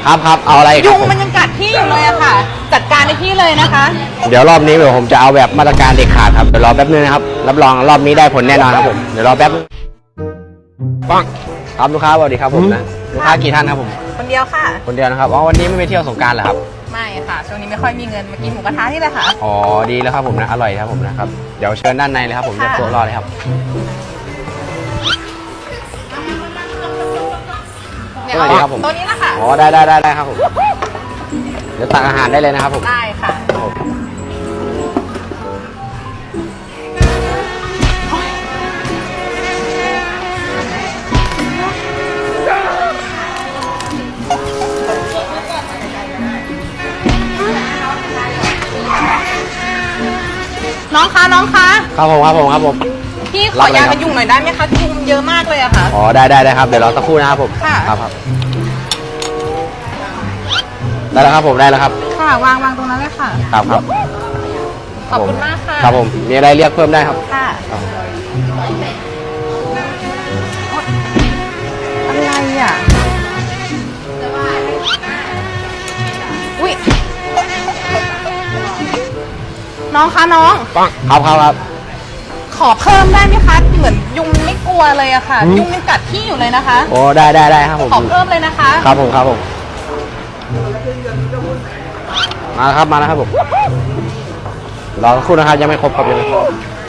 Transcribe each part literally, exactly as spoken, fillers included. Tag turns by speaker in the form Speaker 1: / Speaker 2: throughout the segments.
Speaker 1: ครับครับเอาอะไรครับ
Speaker 2: ยุงมันยังกัดพี่อยู่เลยอะค่ะ จัดการในพี่เลยนะคะ
Speaker 1: เดี๋ยวรอบนี้เดี๋ยวผมจะเอาแบบมาตรการเด็ดขาดครับเดี๋ยวรอแป๊บนึงนะครับรับรองรอบนี้ได้ผลแน่นอนครับผมเดี๋ยวรอแป๊บนึงปังครับลูกค้าสวัสดีครับผมนะลูกค้ากี่ท่านครับผม
Speaker 2: คนเดียวค่ะ
Speaker 1: คนเดียวนะครับอ๋อวันนี้ไม่ไปเที่ยวสงกรานต์เหรอครับ
Speaker 2: ไม่ค่ะ ช่วงนี้ไม่ค่อยมีเงินมากินหมูกระทะนี่แหละค่ะ
Speaker 1: อ๋อดีแล้วครับผมนะอร่อยครับผมนะครับเดี๋ยวเชิญด้านในเลยครับผมจะ
Speaker 2: ค่ะ
Speaker 1: โต๊ะรอเลยครับ
Speaker 2: เนี่ย
Speaker 1: สวัสดีครับผม
Speaker 2: ตัวนี้นะคะ
Speaker 1: อ๋อได้ได้ได้ได้ครับผมเดี๋ยวตักอาหารได้เลยนะครับผม
Speaker 2: ได้ค่ะ น้องคะน้องคะ
Speaker 1: ครับผมครับผมครับผม
Speaker 2: พี่ขอยากันยุงหน่อยได้ไหมคะยุงมันเยอะมากเลยอะค่ะ
Speaker 1: อ๋อได้ได้ได้ครับเดี๋ยวรอสักครู่นะครับผม
Speaker 2: ค่ะ
Speaker 1: ครับครับได้แล้วครับผมได้แล้วครับ
Speaker 2: ค่ะวางวางตรงนั้นเลยค่ะ
Speaker 1: ครับครับ
Speaker 2: ขอบคุณมากค่ะ
Speaker 1: ครับผมมีอะไรเรียกเพิ่มได้ครับ
Speaker 2: ค่ะ
Speaker 1: ครับ
Speaker 2: อะไรอ่ะ อุ้ยน้องคะน้อง
Speaker 1: ปังครับครับครับ
Speaker 2: ขอเพิ่มได้ไหมคะ เหมือนยุงไม่กลัวเลยอะค่ะ
Speaker 1: อืม
Speaker 2: ยุงยังกัดพี่อยู่เลยนะคะ
Speaker 1: โอ้ได้ได้ได้ครับผม
Speaker 2: ขอเพิ่มเลยนะคะ
Speaker 1: ครับผมครับผมมาแล้วครับมาแล้วครับผมรอสักครู่นะครับยังไม่ครบครับยังไม่ครบ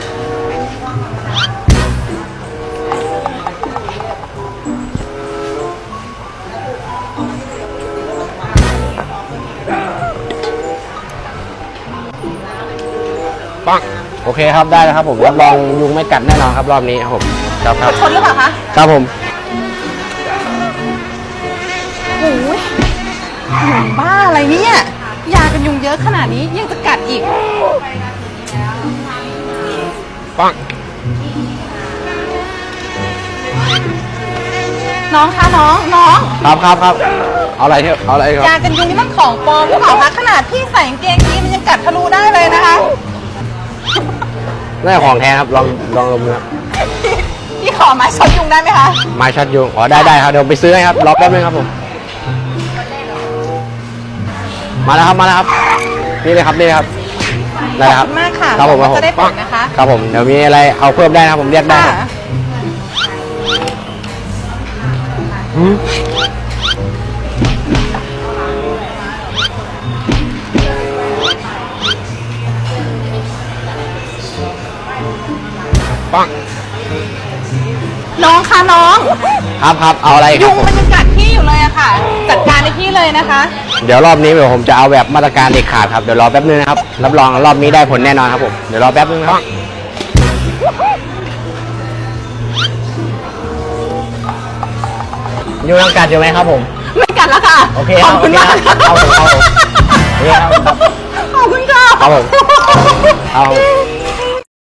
Speaker 1: ปังโอเคครับได้แล้วครับผมรับรองยุงไม่กัดแน่นอนครับรอบนี้ครับผมครับครับ
Speaker 2: ชนหรือเปล่าคะ
Speaker 1: ครับผม
Speaker 2: โอ้ยยุงบ้าอะไรเนี่ย ยากันยุงเยอะขนาดนี้ยังจะกัดอีก
Speaker 1: ปัง
Speaker 2: น้องคะน้องน้อง
Speaker 1: ครับครับครับเอาอะไรเถอะเอาอะไรครับ
Speaker 2: ยากันยุงนี่มันของปลอมหรือเปล่าคะขนาดพี่ใส่กางเกงยีนมันยังกัดทะลุได้เลยนะคะ
Speaker 1: น่าจะของแท้ครับลองลองดมดูครับ
Speaker 2: พี่ขอไม้ช็อตยุงได้ไหมคะ
Speaker 1: ไม้ช็อตยุงอ๋อได้ได้ครับเดี๋ยวไปซื้อให้ครับรอแป๊บนึงครับผมมาแล้วครับมาแล้วครับนี่เลยครับนี่เลยครับได้แล้วครับ
Speaker 2: ขอบคุณมากค่ะ
Speaker 1: ครับผม
Speaker 2: หวั
Speaker 1: ครับผม
Speaker 2: งว่าจะได้ผลนะคะ
Speaker 1: ครับผมเดี๋ยวมีอะไรเอาเพิ่มได้นะครับผมเรียกได้
Speaker 2: ค่ะ
Speaker 1: ครับอืมปัง
Speaker 2: น้องคะน้อง
Speaker 1: ครับครับเอาอะไรค
Speaker 2: ยุ
Speaker 1: รับ
Speaker 2: ง
Speaker 1: ผม
Speaker 2: มันยังกัดพี่อยู่เลยอะค่ะ จัดการในพี่เลยนะคะ
Speaker 1: เดี๋ยวรอบนี้เดี๋ยวผมจะเอาแบบมาตรการเด็ดขาดครับเดี๋ยวรอแป๊บนึงนะครับรับรองรอบนี้ได้ผลแน่นอนครับผมเดี๋ยวรอแป๊บนึงนะครับยุงยังกัดอยู่ไหมครับผม
Speaker 2: ไม่กัดแล้วค่ะ
Speaker 1: โอเค
Speaker 2: ข
Speaker 1: ครั
Speaker 2: อ
Speaker 1: บบ
Speaker 2: คุณมาก
Speaker 1: โอเคครับเอาผมเอาผมโอเคครับ
Speaker 2: ขอบคุณค่ะ
Speaker 1: ครับผมเอา